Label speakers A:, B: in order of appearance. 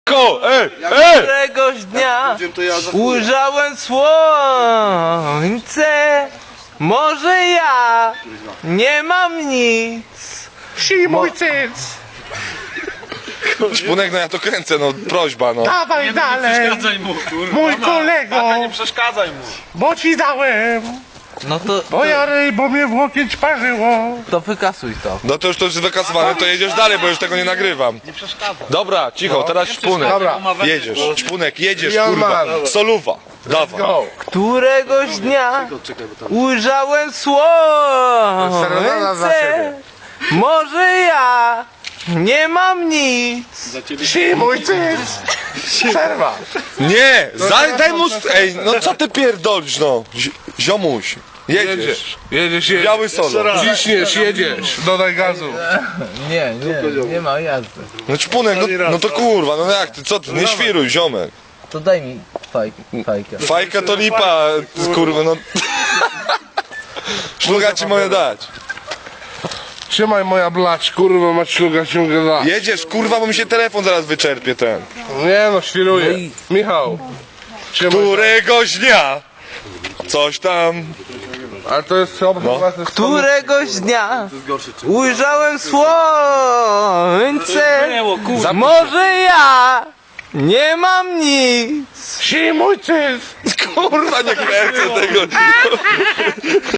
A: Któregoś dnia ujrzałem słońce. Może ja nie mam nic.
B: Mój cyc!
C: Szpunek, no ja to kręcę, no prośba, no.
B: Dawaj dalej!
D: Przeszkadzaj mu, kurwa.
B: Mój kolego!
D: Nie przeszkadzaj mu.
B: Bo ci dałem!
A: No
B: Bo ja bo mnie w łokieć parzyło!
A: to wykasuj to.
C: No to już wykasowane, to jedziesz dalej, bo już tego nie nagrywam.
D: Nie przeszkadzaj.
C: Dobra, cicho, teraz Szpunek.
B: Dobra.
C: Jedziesz, Szpunek, jedziesz,
B: Young
C: kurwa.
B: man.
C: Soluwa, dawaj.
B: Go!
A: Któregoś dnia ujrzałem
B: Serenada dla
A: słońce.
B: ciebie.
A: Może ja nie mam nic.
B: Mój cyc! Przerwa!
C: Nie, daj mu... Ej, no co ty pierdolisz, no. Ziomuś, jedziesz.
B: Jedziesz,
C: Biały solo.
B: Ciśniesz, jedziesz! Dodaj gazu!
A: Nie ma jazdy.
C: No Szpunek, no to kurwa, no jak ty, co ty, nie świruj, ziomek.
A: To daj mi fajkę.
C: Fajka to lipa, kurwa, no. Szluga ci moje dać.
B: Trzymaj moja blać, kurwa, mać śluga się gada.
C: Jedziesz, kurwa, bo mi się telefon zaraz wyczerpie ten.
B: Nie no, świruję.
A: No i-
B: Michał. Trzymaj.
C: Któregoś dnia coś tam.
B: Ale to jest chyba
A: Któregoś dnia ujrzałem słońce. Może ja nie mam nic.
B: Mój cyc!
C: Kurwa, nie kręcę tego.